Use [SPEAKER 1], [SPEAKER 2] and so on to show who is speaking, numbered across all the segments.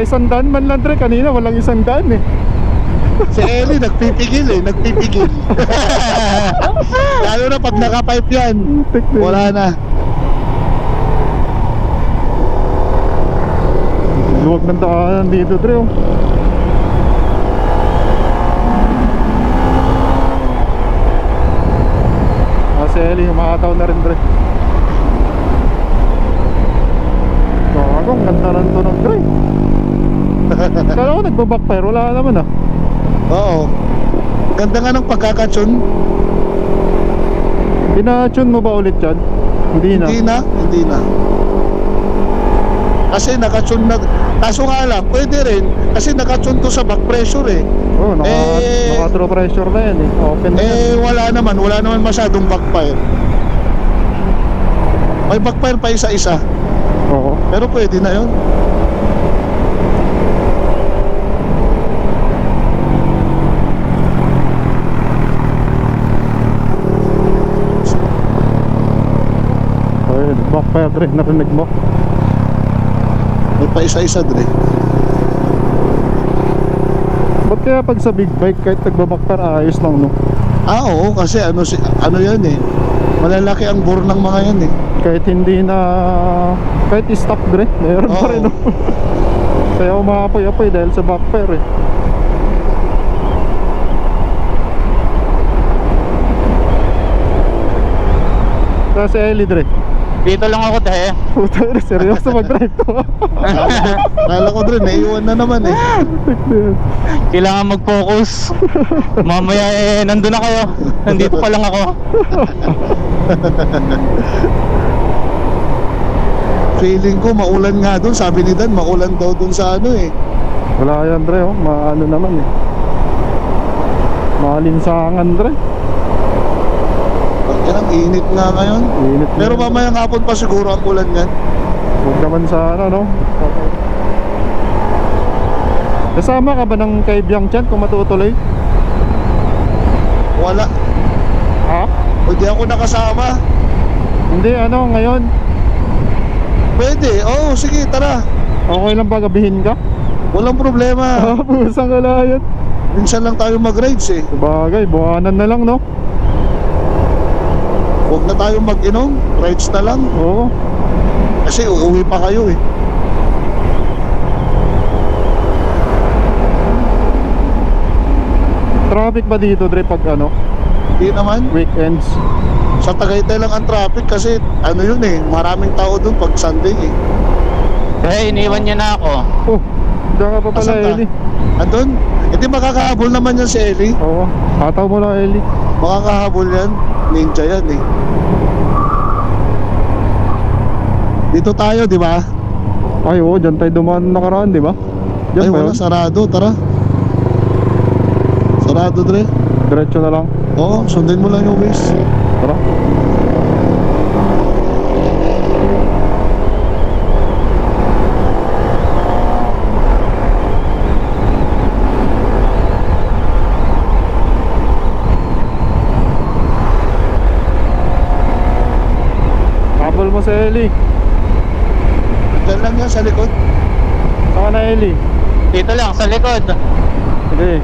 [SPEAKER 1] 100 man lang Dre, kanina walang 100 eh.
[SPEAKER 2] Si Ellie nagpipigil eh, nagpipigil. Lalo na pag naka-pipe yan, wala na.
[SPEAKER 1] Luwag ng daanan dito Dre oh. Si Ellie, umakataw na rin Dre. Gagong, ganda ng tunog Dre. Kala ko nagbabackfire, wala naman ah.
[SPEAKER 2] Oo. Ganda nga ng pagkakatsun.
[SPEAKER 1] Pinatune mo ba ulit yan? Hindi na.
[SPEAKER 2] Hindi na. Kasi nakatsun na. Kaso nga lang, pwede rin. Kasi nakatsun to sa back pressure eh.
[SPEAKER 1] Oo, naka true pressure na yan eh. Open na yan.
[SPEAKER 2] Wala naman masyadong backfire. May backfire pa isa-isa.
[SPEAKER 1] Oo.
[SPEAKER 2] Pero pwede na yun.
[SPEAKER 1] Ay, backfire Dre, narinig mo?
[SPEAKER 2] May pa isa-isa Dre.
[SPEAKER 1] Ba't kaya pag sa big bike kahit nagbabackfire ayos lang no?
[SPEAKER 2] Oo, kasi ano yan eh. Malalaki ang bore ng mga yan eh.
[SPEAKER 1] Kahit hindi na, kahit i-stop Dre, meron pa rin no? Kaya umaapoy-apoy dahil sa backfire eh. Kaya si Ellie Dre,
[SPEAKER 3] Dito lang ako dahil.
[SPEAKER 1] puta Dre, seryoso mag-drive to.
[SPEAKER 2] Kala ko Dre, naiwan na naman eh.
[SPEAKER 3] Kailangan mag-focus. Mamaya nandun na kayo. Nandito pa lang ako.
[SPEAKER 2] Feeling ko maulan nga doon. Sabi ni Dan, maulan daw doon sa ano eh.
[SPEAKER 1] Wala yan Dre oh, maano naman eh. Malinsangan Dre.
[SPEAKER 2] Yan ang init nga ngayon.
[SPEAKER 1] Init na
[SPEAKER 2] Pero
[SPEAKER 1] yan.
[SPEAKER 2] mamayang hapon pa siguro ang ulan yan.
[SPEAKER 1] Huwag naman sa ano no. Kasama ka ba ng kaibyang dyan kung matutuloy?
[SPEAKER 2] Wala.
[SPEAKER 1] Ha?
[SPEAKER 2] Hindi ako nakasama.
[SPEAKER 1] Hindi ano ngayon.
[SPEAKER 2] Pwede, oo sige tara.
[SPEAKER 1] Okay lang ba gabihin ka?
[SPEAKER 2] Walang problema.
[SPEAKER 1] Ah, pusang kalayan.
[SPEAKER 2] Minsan lang tayo mag-rides eh.
[SPEAKER 1] Sabagay, buwanan na lang no.
[SPEAKER 2] Huwag na tayo mag-inom, rides na lang.
[SPEAKER 1] Oo.
[SPEAKER 2] Kasi uuwi pa kayo eh.
[SPEAKER 1] Traffic ba dito Dre pag ano?
[SPEAKER 2] Hindi naman.
[SPEAKER 1] Weekends?
[SPEAKER 2] Sa Tagaytay lang ang traffic kasi ano yun eh, maraming tao doon pag Sunday eh.
[SPEAKER 3] Eh, iniwan niya na ako.
[SPEAKER 1] Oh, diyan ka pa pala
[SPEAKER 2] Asan ka?
[SPEAKER 1] Ellie.
[SPEAKER 2] Andun? Hindi makakahabol naman yan si Ellie.
[SPEAKER 1] Oo, hataw mo lang Ellie.
[SPEAKER 2] Makakahabol yan. Ninja yan eh. Dito tayo, di ba?
[SPEAKER 1] Ay oo, dyan tayo dumaan nakaraan di ba? Dyan
[SPEAKER 2] Ay
[SPEAKER 1] ba
[SPEAKER 2] wala,
[SPEAKER 1] yun?
[SPEAKER 2] sarado, tara. Sarado, Dre.
[SPEAKER 1] Diretso na lang.
[SPEAKER 2] Oo, sundin mo lang yung waist.
[SPEAKER 1] Tara. Habol mo sa Ellie.
[SPEAKER 2] Diyan lang yan sa likod.
[SPEAKER 1] Saka na Ellie.
[SPEAKER 3] Dito lang, sa likod.
[SPEAKER 1] Sige.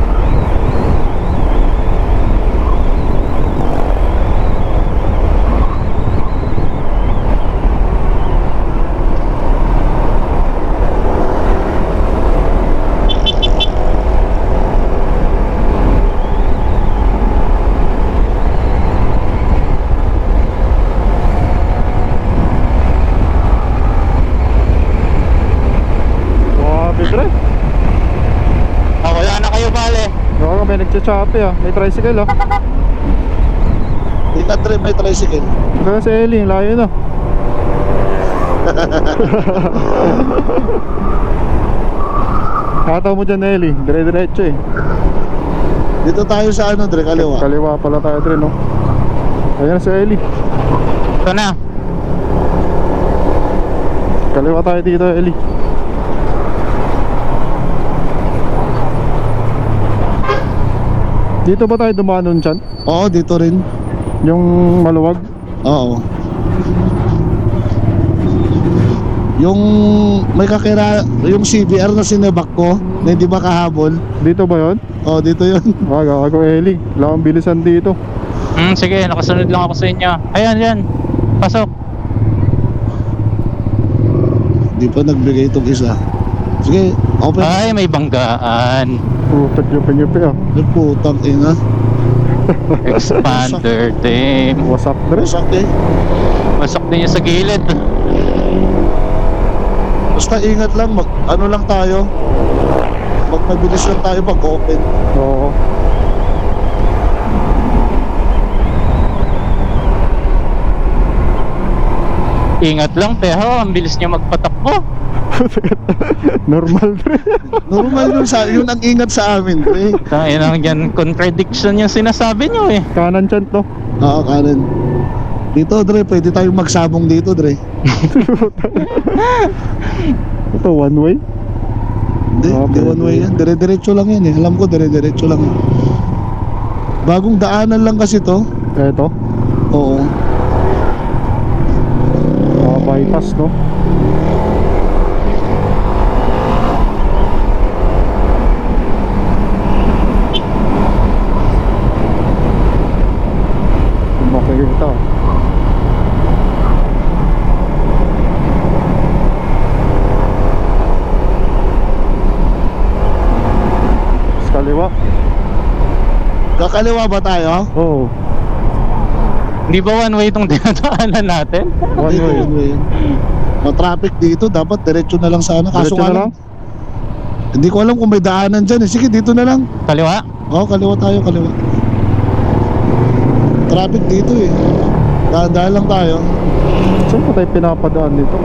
[SPEAKER 1] Dre,
[SPEAKER 3] Wala na kayo bale.
[SPEAKER 1] baka may nagcha-choppy ah. May tricycle ah.
[SPEAKER 2] Di na, Dre, may tricycle.
[SPEAKER 1] Kaya si Ellie, layo na. Hataw mo dyan Ellie, dire-diretso eh.
[SPEAKER 2] Dito tayo sa ano, Dre, kaliwa.
[SPEAKER 1] Kaliwa pala tayo Dre no. Ayan si Ellie.
[SPEAKER 3] Ito na.
[SPEAKER 1] Kaliwa tayo dito Ellie. Dito ba tayo dumaan nun dyan?
[SPEAKER 2] Oo, dito rin.
[SPEAKER 1] Yung maluwag?
[SPEAKER 2] Oo. Yung may yung CBR na sinebak ko na hindi makahabol.
[SPEAKER 1] Dito ba yun?
[SPEAKER 2] Oh, dito yun.
[SPEAKER 1] Gago Eli. Wala akong bilisan dito.
[SPEAKER 3] Sige, nakasunod lang ako sa inyo. Ayan, yan. Pasok.
[SPEAKER 2] Hindi pa nagbigay itong isa. Sige, open.
[SPEAKER 3] Ay, may banggaan.
[SPEAKER 1] Putak yupi ah.
[SPEAKER 2] Ay, putang ina.
[SPEAKER 3] Expander team.
[SPEAKER 1] Wasak dre.
[SPEAKER 2] Masak eh.
[SPEAKER 3] Pasok din niya sa gilid.
[SPEAKER 2] Basta ingat lang, ano lang tayo. Magpabilis lang tayo pag open.
[SPEAKER 1] Oo.
[SPEAKER 3] Ingat lang, Teho. Ang bilis niya magpatakbo.
[SPEAKER 1] Normal dre.
[SPEAKER 2] Normal yun ang ingat sa amin, pre.
[SPEAKER 3] Tayo lang yan. Contradiction yung sinasabi niyo eh.
[SPEAKER 1] Kanan chan to.
[SPEAKER 2] Oo, kanan. Dito, Dre, pwede tayong magsabong dito, Dre.
[SPEAKER 1] Ito one way.
[SPEAKER 2] Hindi, hindi
[SPEAKER 1] pwede.
[SPEAKER 2] one way yan. Dire-diretso lang yan eh. Alam ko, dire-diretso lang yan. Bagong daanan lang kasi to.
[SPEAKER 1] Eto.
[SPEAKER 2] Oo.
[SPEAKER 1] Bypass no. Makikita. Sa kaliwa.
[SPEAKER 2] Kakaliwa ba tayo?
[SPEAKER 1] Oo.
[SPEAKER 3] Hindi ba one way itong dinadaanan natin?
[SPEAKER 1] One
[SPEAKER 2] Dito,
[SPEAKER 1] way.
[SPEAKER 2] one way. Ma-traffic dito, dapat diretso na lang sana. Kaso
[SPEAKER 1] Diretso
[SPEAKER 2] nga
[SPEAKER 1] na
[SPEAKER 2] lang, hindi ko alam kung may daanan dyan eh. Sige, dito na lang.
[SPEAKER 3] Kaliwa?
[SPEAKER 2] Oo, kaliwa tayo, kaliwa. Traffic dito eh. Daan-daan lang tayo.
[SPEAKER 1] Saan pa tayo pinapadaan dito?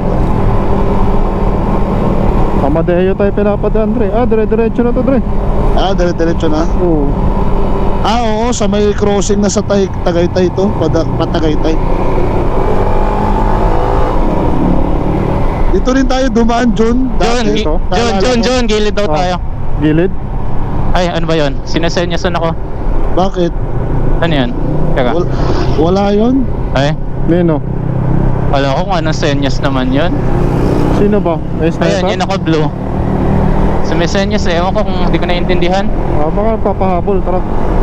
[SPEAKER 1] Amadeo tayo pinapadaan, Dre. Dire-diretso na to, Dre.
[SPEAKER 2] Dire-diretso na.
[SPEAKER 1] Oo.
[SPEAKER 2] Oo, sa may crossing na sa Tagaytay to, Patagaytay. Dito rin tayo dumaan, John. Dati.
[SPEAKER 1] Dito?
[SPEAKER 3] John, gilid daw
[SPEAKER 1] Ah.
[SPEAKER 3] tayo.
[SPEAKER 1] Gilid?
[SPEAKER 3] Ay, ano ba yun? Sinasenyasan ako.
[SPEAKER 2] Bakit?
[SPEAKER 3] Ano yan? Teka.
[SPEAKER 2] Wala yun?
[SPEAKER 3] Ay,
[SPEAKER 1] Nino?
[SPEAKER 3] wala ko kung anong senyas naman yun.
[SPEAKER 1] Sino ba? May sniper?
[SPEAKER 3] Ayan, yun ako blue. Sa may senyas eh, ewan ko kung hindi ko naintindihan.
[SPEAKER 1] Baka papahabol, tara.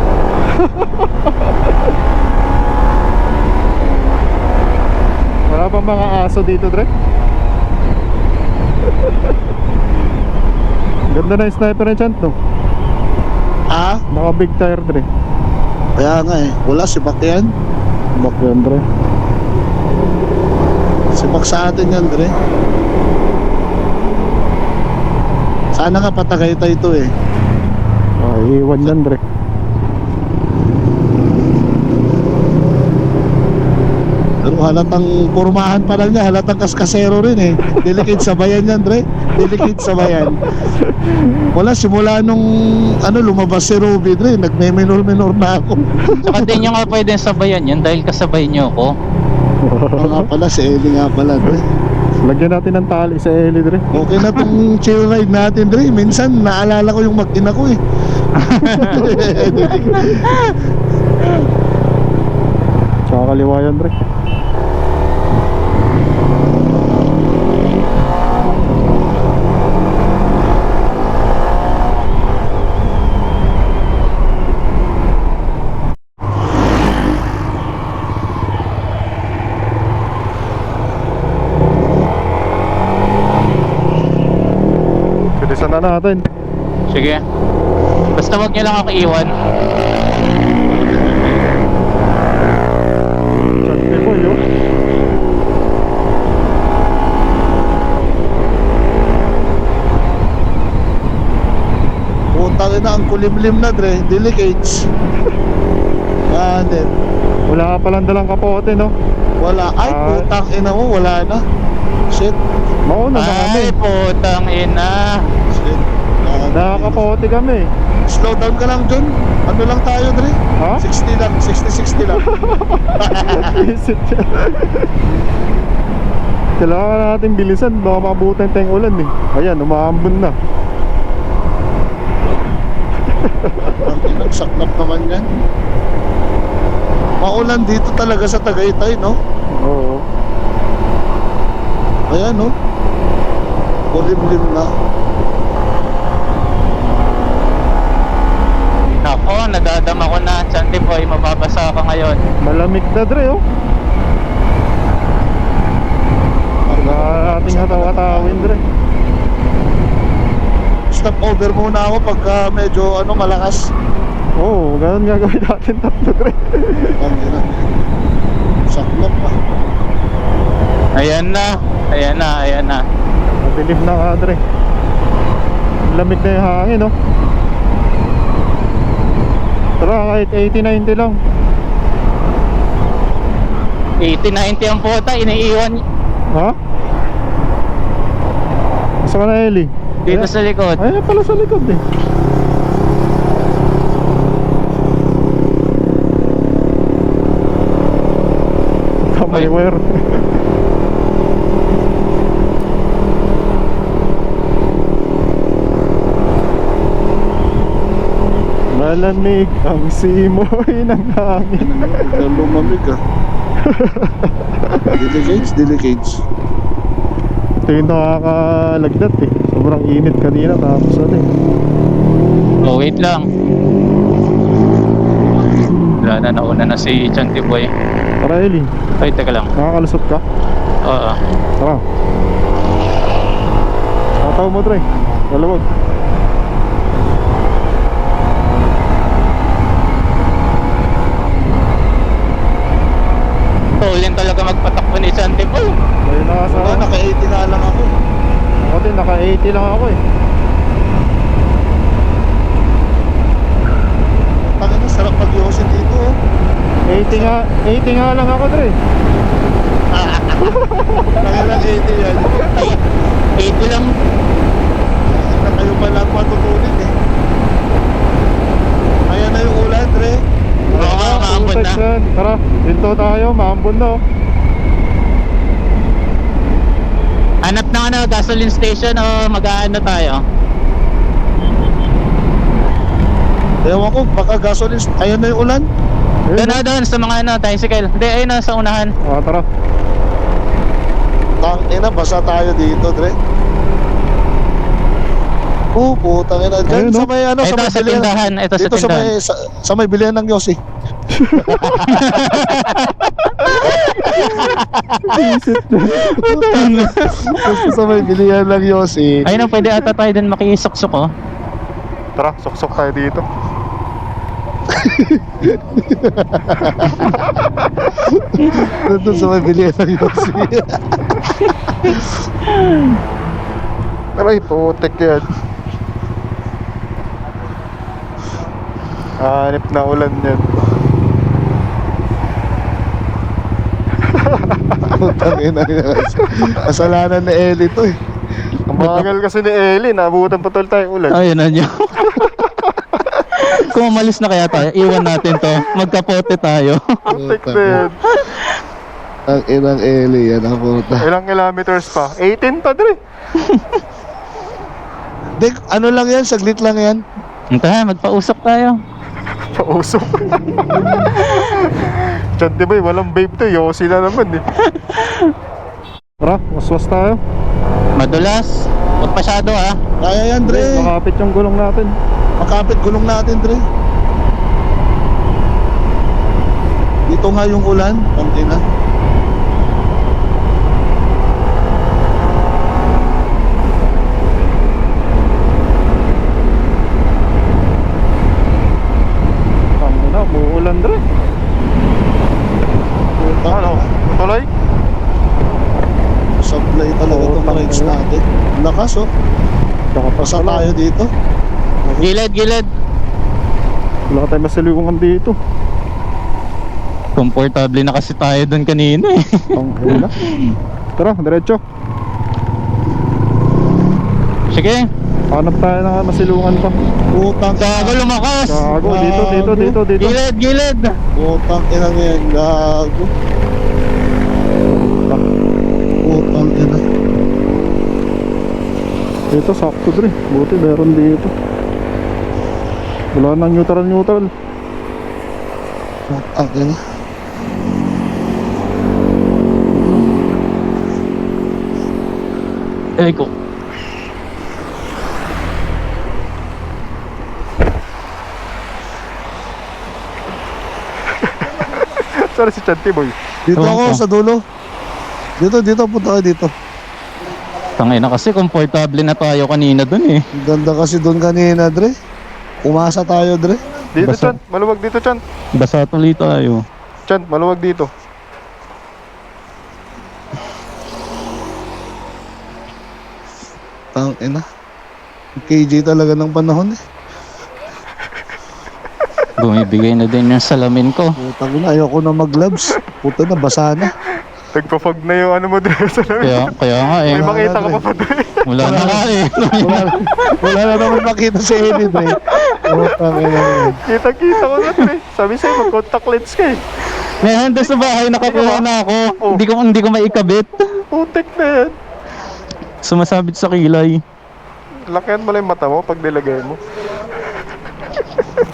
[SPEAKER 1] Wala pa mga aso dito, Dre? Ganda na yung sniper na chant, no?
[SPEAKER 2] Ah?
[SPEAKER 1] Naka big tire, Dre.
[SPEAKER 2] Kaya nga eh. Wala, si Bak yan.
[SPEAKER 1] Bak yan, Dre.
[SPEAKER 2] Si Bak sa atin yan, Dre. Sana nga Patagaytay ito eh.
[SPEAKER 1] Iwan yan, Dre.
[SPEAKER 2] Pero halatang pormahan pa lang niya, halatang kaskasero rin eh. Delicate sa bayan yan, Dre. Delicate sa bayan. Wala, simula nung lumabas si Ruby, Dre, nagme-minor-minor na ako.
[SPEAKER 3] Saka din nyo nga pwede sabayan yan dahil kasabay nyo ako.
[SPEAKER 2] Oo nga pala, si Ellie nga pala, Dre.
[SPEAKER 1] Lagyan natin ng tali sa Eli, Dre.
[SPEAKER 2] Okay na tong chill ride natin, Dre. Minsan, naalala ko yung mag-ina ko eh.
[SPEAKER 1] Tsaka kaliwa yan, Dre. Bilisan na natin.
[SPEAKER 3] Sige. Basta wag nyo lang ako iwan.
[SPEAKER 1] Sabi ko yun.
[SPEAKER 2] Putang ina, ang kulimlim na, Dre. Delicates. Din.
[SPEAKER 1] Wala ka palang dalang kapote, no?
[SPEAKER 2] Wala. Ay, putang ina mo, wala na. Shit.
[SPEAKER 1] Mauna na kami.
[SPEAKER 3] Ay, putang ina.
[SPEAKER 2] Shit.
[SPEAKER 1] Nakakapote kami.
[SPEAKER 2] Slow down ka lang, John. Ano lang tayo, Dre?
[SPEAKER 1] Ha?
[SPEAKER 2] 60 lang, 60-60 lang.
[SPEAKER 1] Visit siya. Kailangan natin bilisan. Baka makabutan tayong ulan eh. Ayan, umaambon na.
[SPEAKER 2] Ang inagsaklap naman yan. Maulan dito talaga sa Tagaytay, no?
[SPEAKER 1] Oo.
[SPEAKER 2] Ayan, no? Kulimlim na.
[SPEAKER 3] Nako, nadadama ko na. Chanti boy, mababasa ka ngayon.
[SPEAKER 1] Malamig na dre oh. Wala ating hataw-hatawin dre.
[SPEAKER 2] Stop over muna ako pagka medyo malakas.
[SPEAKER 1] Oo, ganun nga gawin natin tatlo dre.
[SPEAKER 2] Saklap pa.
[SPEAKER 3] Ayan na. Ayan na, ayan na.
[SPEAKER 1] Madilim na nga dre. Lamig na yung hangin oh. Tara, kahit 80-90 lang.
[SPEAKER 3] 80-90 ang puta, iniiwan
[SPEAKER 1] Ha? Gusto ka na Eli?
[SPEAKER 3] dito sa likod.
[SPEAKER 1] Ayun pala sa likod eh. Kamay
[SPEAKER 3] Ay.
[SPEAKER 1] wire. Malamig ang simoy ng hangin.
[SPEAKER 2] Lumamig ah. Delicates.
[SPEAKER 1] Ito yung nakakalagdat eh. Sobrang init kanina tapos ano eh.
[SPEAKER 3] Oh, wait lang. Wala na, nauna na si Chanti boy.
[SPEAKER 1] Tara Eli,
[SPEAKER 3] Ay, teka lang.
[SPEAKER 1] nakakalusot ka?
[SPEAKER 3] Oo.
[SPEAKER 1] Tara. Tataw mo Dre. Dalawag.
[SPEAKER 3] Tulin talaga magpatakbo ni Chanti boy.
[SPEAKER 1] Ayun na sa...
[SPEAKER 2] Wala, naka-80 na lang ako.
[SPEAKER 1] Ako din, naka 80 lang ako eh.
[SPEAKER 2] Tangin na, sarap mag-yosin dito oh.
[SPEAKER 1] 80 nga lang ako Dre.
[SPEAKER 2] Tangin na 80 yan.
[SPEAKER 3] 80 lang.
[SPEAKER 2] Na kayo pala ang matutunin eh. Ayan na yung ulan, Dre.
[SPEAKER 3] Oo nga, maambon na.
[SPEAKER 1] Yan. Tara, dito tayo, maambon na oh.
[SPEAKER 3] Hanap na gasoline station o mag-aano tayo?
[SPEAKER 2] Ewan ko, baka gasoline. Ayan na yung ulan.
[SPEAKER 1] Ayun,
[SPEAKER 3] Doon na doon sa mga tricycle. Hindi, ayun na sa unahan.
[SPEAKER 1] tara.
[SPEAKER 2] Tangina, basa tayo dito, Dre. Putang ina. Diyan
[SPEAKER 1] Ayun,
[SPEAKER 2] sa
[SPEAKER 1] no?
[SPEAKER 2] may
[SPEAKER 3] Ito
[SPEAKER 2] may
[SPEAKER 3] sa
[SPEAKER 2] bilihan.
[SPEAKER 3] tindahan. Ito sa
[SPEAKER 2] Dito
[SPEAKER 3] tindahan.
[SPEAKER 2] sa may bilihan ng Yossi. Dito sa may bilihan ng Yossi.
[SPEAKER 3] Ayun na, pwede ata tayo din makisuksok oh.
[SPEAKER 1] Tara, suksok tayo dito.
[SPEAKER 2] Dito sa may bilihan ng Yossi.
[SPEAKER 1] Aray, putek yan. Hanip na ulan yan.
[SPEAKER 2] Putang ina. Kasalanan ni Ellie to eh.
[SPEAKER 1] Ang bagal kasi ni Ellie, nabutan pa tol tayo ulan.
[SPEAKER 3] Ayun na nyo. Kung umalis na kaya tayo, iwan natin to. Magkapote tayo.
[SPEAKER 1] Putek na yan.
[SPEAKER 2] Ang inang Ellie yan ang puta.
[SPEAKER 1] Ilang kilometers pa? 18 pa Dre.
[SPEAKER 2] Dek, ano lang yan? Saglit lang yan.
[SPEAKER 3] Tara, magpausap tayo.
[SPEAKER 1] Pausok. Diyan di ba walang babe to, Yossi na naman eh. Tara, waswas tayo.
[SPEAKER 3] Madulas. Huwag masyado ah.
[SPEAKER 2] Kaya yan, Dre.
[SPEAKER 1] Makapit yung gulong natin.
[SPEAKER 2] Makapit gulong natin, Dre. Dito nga yung ulan. Ang ina.
[SPEAKER 1] Tama na, muulan Dre. Ano? Tuloy?
[SPEAKER 2] Supply talaga
[SPEAKER 1] Oo,
[SPEAKER 2] itong rides
[SPEAKER 1] tama.
[SPEAKER 2] natin. Lakas oh. Pasa tayo dito.
[SPEAKER 3] Gilid, gilid.
[SPEAKER 1] Wala tayong masalungan dito.
[SPEAKER 3] Komportable na kasi tayo doon kanina eh.
[SPEAKER 1] Ang hula. Tara, diretso.
[SPEAKER 3] Sige.
[SPEAKER 1] Hanap tayo ng masilungan pa.
[SPEAKER 2] Putang
[SPEAKER 3] Gago lumakas.
[SPEAKER 1] Gago, dito.
[SPEAKER 3] Gilid, gilid.
[SPEAKER 2] Putang ina ngayon. Gago. Putang ina.
[SPEAKER 1] Dito, sakto Dre. Buti meron dito. Wala nang neutral.
[SPEAKER 2] Putang ina.
[SPEAKER 3] Eh ko.
[SPEAKER 1] na si Chanti Boy?
[SPEAKER 2] Dito
[SPEAKER 3] Ewan
[SPEAKER 2] ako
[SPEAKER 3] ko.
[SPEAKER 2] sa dulo. Dito, punta ka dito.
[SPEAKER 3] Tangay na kasi, komportable na tayo kanina dun eh.
[SPEAKER 2] Ang ganda kasi doon kanina, Dre. Umasa tayo, Dre.
[SPEAKER 1] Dito,
[SPEAKER 3] Basta-
[SPEAKER 1] Chan. Maluwag dito, Chan.
[SPEAKER 3] Basa tuloy tayo.
[SPEAKER 1] Chan, maluwag dito.
[SPEAKER 2] Tang ina. KJ talaga ng panahon eh.
[SPEAKER 3] Bumibigay na din yung salamin ko.
[SPEAKER 2] Putang ina, ayoko na mag-gloves. Puta na, basa na.
[SPEAKER 1] Nagpa-fog na yung ano mo dre sa lamin.
[SPEAKER 3] Kaya nga eh.
[SPEAKER 1] May makita ka pa pa dre.
[SPEAKER 3] Wala na nga eh.
[SPEAKER 2] Wala na naman makita si Eddie, Dre. Putang ina.
[SPEAKER 1] Kita-kita ko na dre. Sabi sa'yo, mag-contact lens ka eh.
[SPEAKER 3] May handa sa bahay, nakakuha na ako.
[SPEAKER 1] Oh.
[SPEAKER 3] Hindi ko maikabit.
[SPEAKER 1] Putik na yan.
[SPEAKER 3] Sumasabit sa kilay.
[SPEAKER 1] Lakihan mo lang yung mata mo pag nilagay mo.